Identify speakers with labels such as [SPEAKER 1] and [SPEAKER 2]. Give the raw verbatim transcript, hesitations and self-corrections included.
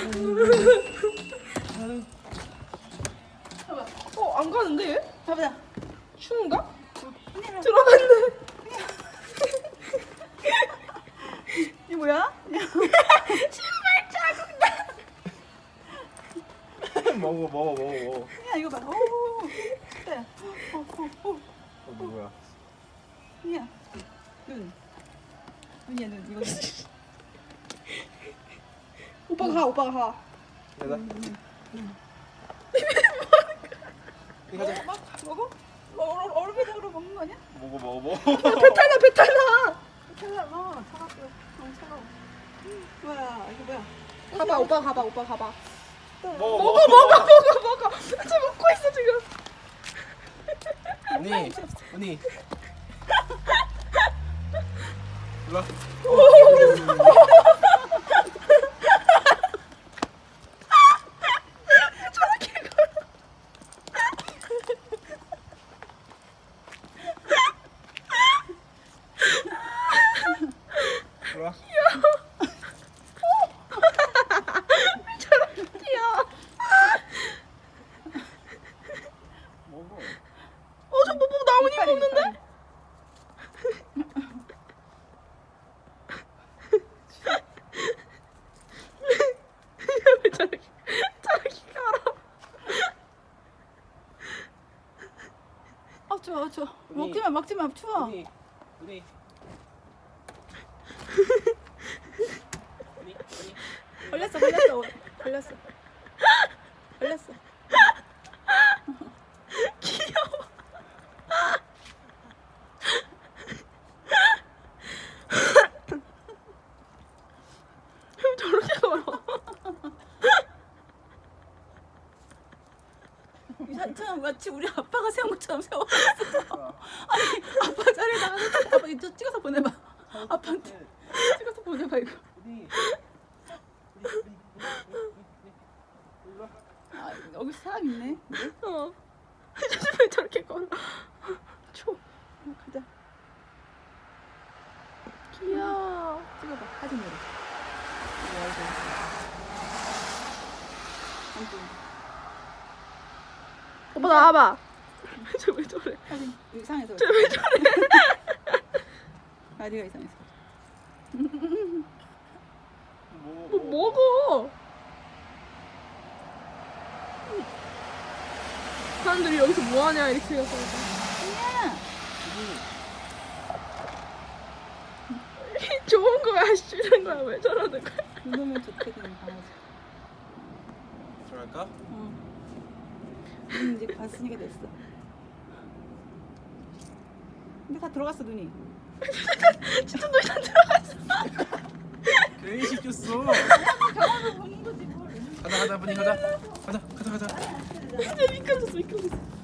[SPEAKER 1] 어, 안 가는데 얘?
[SPEAKER 2] 가보자.
[SPEAKER 1] 추운가? 들어갔네.
[SPEAKER 2] 이 뭐야?
[SPEAKER 1] 신발 자국나.
[SPEAKER 3] 먹어 먹어 먹어 먹어.
[SPEAKER 2] 야 이거 봐. 오. 네. 어, 어, 어.
[SPEAKER 3] 어 누구야?
[SPEAKER 2] 야. 눈. 눈이야 눈. 이거.
[SPEAKER 1] 오빠가 가, 오빠가 가.
[SPEAKER 3] 얘다. 이거 가자.
[SPEAKER 2] 막 먹어? 어, 얼- 얼음에다가 먹는 거 아니야?
[SPEAKER 3] 먹어 먹어 먹어.
[SPEAKER 1] 배탈 나, 배탈 나.
[SPEAKER 2] 차가워. 차갑고. 너무 차가워. 뭐야? 이거 뭐야?
[SPEAKER 1] 가봐, 오빠 가봐, 오빠 가봐.
[SPEAKER 3] 먹어
[SPEAKER 1] 먹어, 먹어, 먹어, 먹어. 쟤 먹고 있어 지금.
[SPEAKER 3] 언니 언니. 일로 와. 일로 와.
[SPEAKER 1] 귀여워.
[SPEAKER 3] 먹어.
[SPEAKER 1] 어, 저 뭐, 뭐 나뭇잎 먹는데? 왜 저렇게, 저렇게 가라.
[SPEAKER 2] 아 추워 추워.
[SPEAKER 3] 언니.
[SPEAKER 2] 먹지 마 먹지 마 추워.
[SPEAKER 3] 언니 언니. 언니 언니.
[SPEAKER 2] 걸렸어 걸렸어 걸렸어 걸렸어.
[SPEAKER 1] 귀여워. 왜 저렇게 걸어?
[SPEAKER 2] 이 산처럼 마치 우리 아빠가 세운 것처럼 세워놨어. 아니 아빠 자리에다가 아빠 이거 찍어서 보내봐. 아빠한테 찍어서 보내봐 이거.
[SPEAKER 3] 언니.
[SPEAKER 2] 아 여기 사람 있네.
[SPEAKER 1] 어. 왜 저렇게 걸어? 초.
[SPEAKER 2] 어, 가자.
[SPEAKER 1] 귀여워.
[SPEAKER 2] 찍어봐 사진으로. 이거 얼굴. 안
[SPEAKER 1] 오빠 나와봐. 저 왜 저래?
[SPEAKER 2] 사진 이상해서.
[SPEAKER 1] 저 왜 저래?
[SPEAKER 2] 다리가 이상해서.
[SPEAKER 3] 먹어.
[SPEAKER 1] 뭐 먹어? 사람들이 여기서 뭐 하냐 이렇게 해서
[SPEAKER 2] 아니야.
[SPEAKER 1] 좋은 거야 싫은 거야 왜 저러는 거야?
[SPEAKER 2] 그러면 좋거든 강아지.
[SPEAKER 3] 들어갈까?
[SPEAKER 2] 어. 눈 이제 봤으니까 됐어. 근데 다 들어갔어 눈이.
[SPEAKER 1] 진짜 너 이상 들어갔어.
[SPEAKER 3] 괜히 시켰어.
[SPEAKER 2] 경험을 보는 거지 뭘.
[SPEAKER 3] 가자 가자 분이 가자. 가자 가자 가자.
[SPEAKER 1] 진짜 미끄러졌어 미끄러졌어.